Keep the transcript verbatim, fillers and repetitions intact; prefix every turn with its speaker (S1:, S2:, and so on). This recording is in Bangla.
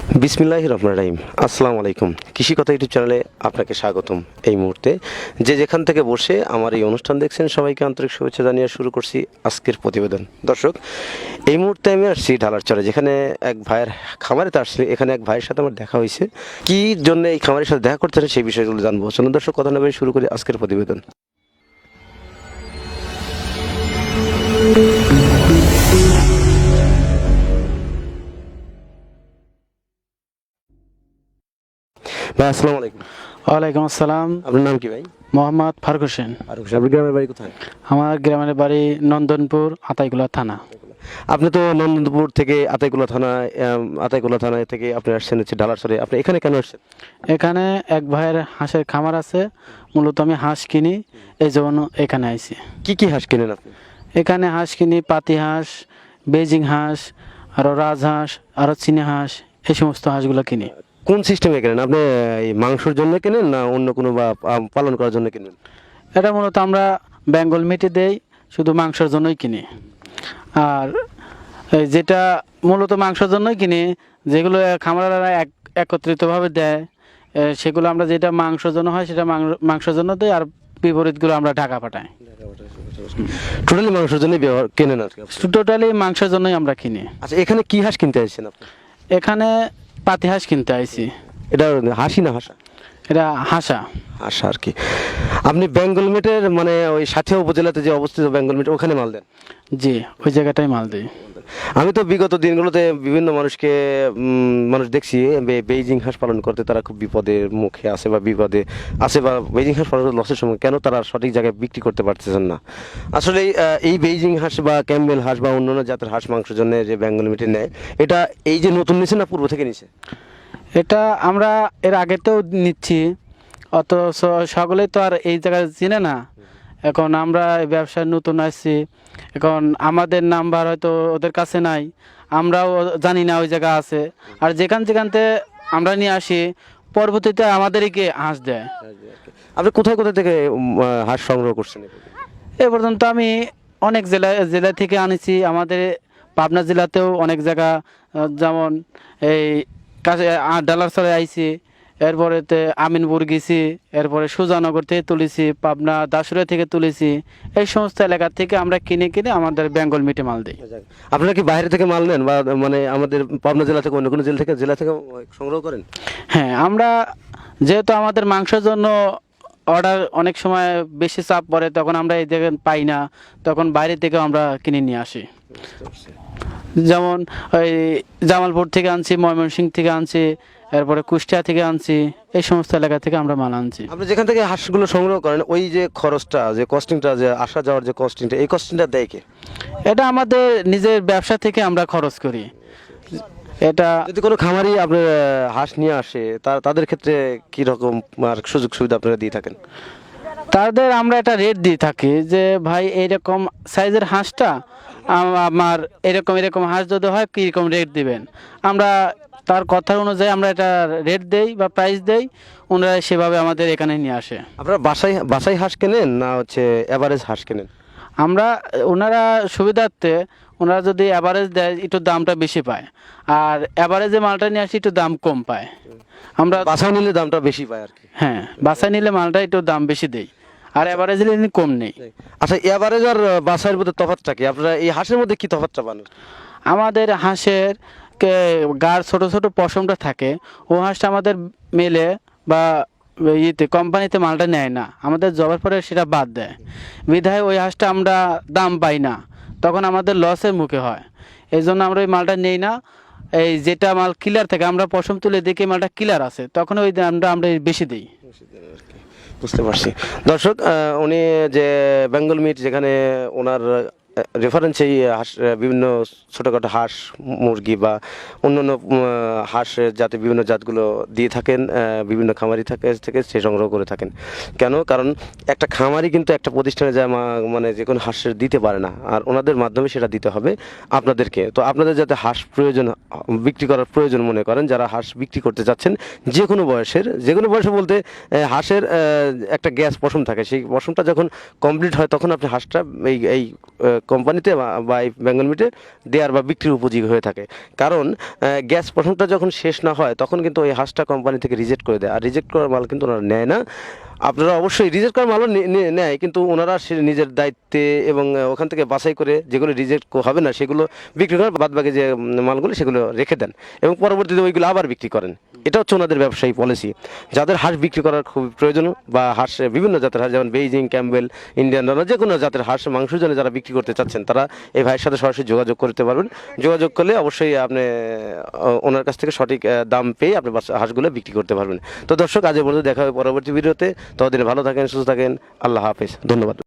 S1: বিসমিল্লাহির রহমানির রহিম। আসসালামু আলাইকুম। কৃষি কথা ইউটিউব চ্যানেলে আপনাকে স্বাগতম। এই মুহূর্তে যে যেখান থেকে বসে আমার এই অনুষ্ঠান দেখছেন সবাইকে আন্তরিক শুভেচ্ছা জানিয়ে শুরু করছি আজকের প্রতিবেদন। দর্শক, এই মুহূর্তে আমি আসছি ঢালারচরে, যেখানে এক ভাইয়ের খামারেতে আসছি। এখানে এক ভাইয়ের সাথে আমার দেখা হয়েছে। কী জন্য এই খামারের সাথে দেখা করতে সেই বিষয়গুলো জানবো। চলুন দর্শক, কথা না বলে শুরু করি আজকের প্রতিবেদন। ভাই আসসালামু আলাইকুম।
S2: ওয়ালাইকুম আসসালাম।
S1: আপনার নাম কি ভাই?
S2: মোহাম্মদ ফারুক হোসেন।
S1: ফারুক হোসেন। আপনার গ্রামের বাড়ি কোথায়?
S2: আমার গ্রামের বাড়ি নন্দনপুর, আতাইকুলা থানা।
S1: আপনি তো নন্দনপুর থেকে আতাইকুলা থানায় আম, আতাইকুলা থানায় থেকে আপনি আসছেন হচ্ছে ঢালারচরে। আপনি এখানে কেন আসছেন?
S2: এখানে এক ভাইয়ের হাঁসের খামার আছে, মূলত আমি হাঁস কিনি, এই জন্য এখানে আইছি।
S1: কি কি হাঁস কেনেন আপনি?
S2: এখানে হাঁস কিনি, পাতি হাঁস, বেজিং হাঁস, আরও রাজহাঁস, আরও চীনা হাঁস, এই সমস্ত হাঁসগুলো কিনি।
S1: কোন সিস্টেমে কেনেন আপনি? এই মাংসের জন্য কেনেন না অন্য কোনো বা আম, পালন করার জন্য কেনেন?
S2: এটা মূলত আমরা বেঙ্গল মিটে দেই, শুধু মাংসের জন্যই কিনি। আর এই যেটা মূলত মাংসের জন্যই কিনি, যেগুলো খামারারা এক একত্রিতভাবে দেয়, এ, সেগুলো আমরা যেটা মাংসের জন্য হয় সেটা মাংস- মাংসের জন্য দিই, আর বিপরীতগুলো আমরা ঢাকা পাঠাই।
S1: টোটালি মাংসের জন্য ব্যবহার কেনেন আর কি আপনি?
S2: টোটালি মাংসের জন্যই আমরা কিনি।
S1: আচ্ছা, এখানে কি হাঁস কিনতে আসছেন আপনি?
S2: এখানে পাতি হাঁস কিনতে আইছি।
S1: এটা হাসি না হাসা?
S2: এটা হাঁসা।
S1: হাসা আর কি। আপনি বেঙ্গল মেটের মানে ওই সাথিয়া উপজেলাতে যে অবস্থিত বেঙ্গল মেট, ওখানে মাল দেন?
S2: জি, ওই জায়গাটাই মাল দিই।
S1: আমি তো বিগত দিনগুলোতে বিভিন্ন মানুষকে উম, মানুষ দেখছি বে- বেইজিং হাঁস পালন করতে, তারা খুব বিপদের মুখে আছে বা বিপদে আছে, বা বেইজিং হাঁস পালন করতে লসের সময় কেন তারা সঠিক জায়গায় বিক্রি করতে পারতেছেন না। আসলে আহ, এই বেইজিং হাঁস বা ক্যাম্বেল হাঁস বা অন্যান্য জাতের হাঁস মাংসের জন্য যে বেঙ্গল মিটে নেয়, এটা এই যে নতুন নিছে না পূর্ব থেকে নিছে?
S2: এটা আমরা এর আগেতেও নিচ্ছি, অত স- সকলেই তো আর এই জায়গায় চিনে না। এখন আমরা এই ব্যবসায় নতুন আসছি, এখন আমাদের নাম্বার হয়তো ওদের কাছে নাই, আমরাও জানি না ওই জায়গা আছে। আর যেখান যেখানতে আমরা নিয়ে আসি, পরবর্তীতে আমাদেরকে হাঁস দেয়।
S1: আপনি কোথায় কোথায় থেকে উম, আহ, হাঁস সংগ্রহ করছেন?
S2: এ পর্যন্ত আমি অনেক জেলা জেলা থেকে আনেছি। আমাদের পাবনা জেলাতেও অনেক জায়গা, আহ, যেমন এই কাছে ডালারচরে আইছি, এরপরেতে আমিনপুর গেছি, এরপরে সুজানগর থেকে তুলেছি, পাবনা দাসুরিয়া থেকে তুলেছি। এই সমস্ত এলাকা থেকে আমরা কিনে কিনে আমাদের বেঙ্গল মিটে মাল দিই।
S1: আপনারা কি বাইরে থেকে মাল নেন বা মানে আমাদের পাবনা জেলা থেকে অন্য কোনো জেলা থেকে জেলা থেকে সংগ্রহ করেন?
S2: হ্যাঁ, আমরা যেহেতু আমাদের মাংসের জন্য অর্ডার অনেক সময় বেশি চাপ পড়ে, তখন আমরা এই জায়গায় পাই না, তখন বাইরে থেকে আমরা কিনে নিয়ে আসি। যেমন ওই জামালপুর থেকে আনছি, ময়মনসিংহ থেকে আনছি, এরপরে কুষ্টিয়া থেকে আনছি, এই সমস্ত এলাকা থেকে আমরা মাল আনছি।
S1: আপনি যেখান থেকে হাঁসগুলো সংগ্রহ করেন, ওই যে খরচটা, যে কস্টিংটা, যে আসা যাওয়ার যে কস্টিংটা, এই কস্টিংটা দেয় কে?
S2: এটা আমাদের নিজের ব্যবসা থেকে আমরা খরচ করি। এটা
S1: যদি কোনো খামারি আপনার আহ, হাঁস নিয়ে আসে, তা তাদের ক্ষেত্রে কি রকম আর সুযোগ সুবিধা আপনারা দিয়ে থাকেন?
S2: তাদের আমরা একটা রেট দিয়ে থাকি যে ভাই এইরকম সাইজের হাঁসটা আম- আমার এরকম এরকম হাঁস যদি হয় কীরকম রেট দিবেন, আমরা তার কথা অনুযায়ী আমরা এটা রেট দেই বা প্রাইস দেই, ওনারা সেভাবে আমাদের এখানে নিয়ে আসে।
S1: আপনারা বাসায় বাসায় হাঁস কেনেন না হচ্ছে অ্যাভারেজ হাঁস কেনেন?
S2: আমরা ওনারা সুবিধার্থে ওনারা যদি অ্যাভারেজ দেয় একটু দামটা বেশি পায়, আর অ্যাভারেজে মালটা নিয়ে আসি একটু দাম কম পায়। আমরা
S1: বাসায় নিলে দামটা বেশি পায় আর কি।
S2: হ্যাঁ, বাসায় নিলে মালটা একটু দাম বেশি দেই, আর অ্যাভারেজে নিলে কম নেই।
S1: আচ্ছা, এভারেজ আর বাসায়ের মধ্যে তফাৎটা কি? আপনারা এই হাঁসের মধ্যে কি তফাৎটা পান?
S2: আমাদের হাঁসের কে গার ছোট ছোট পশমটা থাকে, ও হাঁসটা আমাদের মেলে বা ইয়েতে কোম্পানিতে মালটা নেয় না, আমাদের জবার পরে সেটা বাদ দেয়, বিধায় ওই হাঁসটা আমরা দাম পাই না, তখন আমাদের লসের মুখে হয়। এই জন্য আমরা ওই মালটা নেই না। এই যেটা মাল কিলার থাকে, আমরা পশম তুলে দেখি মালটা কিলার আছে, তখন ওই দামটা আমরা বেশি দিই।
S1: বুঝতে পারছি। দর্শক, আহ, উনি যে বেঙ্গল মিট, যেখানে ওনার রেফারেন্সে এই হাঁস, আহ, বিভিন্ন ছোটোখাটো হাঁস মুরগি বা অন্যান্য উম, হাঁস জাতে বিভিন্ন জাতগুলো দিয়ে থাকেন, আহ, বিভিন্ন খামারি থাকে থেকে সে সংগ্রহ করে থাকেন। কেন? কারণ একটা খামারি কিন্তু একটা প্রতিষ্ঠানে যায় মা- মানে যে কোনো হাঁসের দিতে পারে না, আর ওনাদের মাধ্যমে সেটা দিতে হবে আপনাদেরকে। তো আপনাদের যাতে হাঁস প্রয়োজন, বিক্রি করার প্রয়োজন মনে করেন, যারা হাঁস বিক্রি করতে চাচ্ছেন, যে কোনো বয়সের, যে কোনো বয়সে বলতে আহ, হাঁসের আহ, একটা গ্যাস পশম থাকে, সেই পশমটা যখন কমপ্লিট হয় তখন আপনি হাঁসটা এই এই কোম্পানিতে বা বা এই বেঙ্গল মিটে দেওয়ার বা বিক্রির উপযোগী হয়ে থাকে। কারণ আহ, গ্যাস প্রথমটা যখন শেষ না হয় তখন কিন্তু ওই হাঁসটা কোম্পানি থেকে রিজেক্ট করে দেয়, আর রিজেক্ট করার মাল কিন্তু ওনারা নেয় না। আপনারা অবশ্যই রিজেক্ট করার মালও নে- নে- নেয়, কিন্তু ওনারা সে নিজের দায়িত্বে এবং আহ, ওখান থেকে বাছাই করে যেগুলো রিজেক্ট হবে না সেগুলো বিক্রি করেন, বাদ বাকি যে উম, মালগুলো সেগুলো রেখে দেন এবং পরবর্তীতে ওইগুলো আবার বিক্রি করেন। এটা হচ্ছে ওনাদের ব্যবসায়ী পলিসি। যাদের হাঁস বিক্রি করার খুব প্রয়োজন বা হাঁস বিভিন্ন জাতের হাঁস যেমন বেইজিং, ক্যাম্বেল, ইন্ডিয়ান রানা, যে কোনো জাতের হাঁস মাংসের জন্য যারা বিক্রি করতে চাচ্ছেন তারা এই ভাইয়ের সাথে সরাসরি যোগাযোগ করতে পারবেন। যোগাযোগ করলে অবশ্যই আপনি আহ, ওনার কাছ থেকে সঠিক আহ, দাম পেয়ে আপনি বাচ্চা- হাঁসগুলো বিক্রি করতে পারবেন। তো দর্শক, আজ এ পর্যন্ত দেখা হবে পরবর্তী ভিডিওতে। ততদিনে ভালো থাকেন, সুস্থ থাকেন। আল্লাহ হাফেজ, ধন্যবাদ।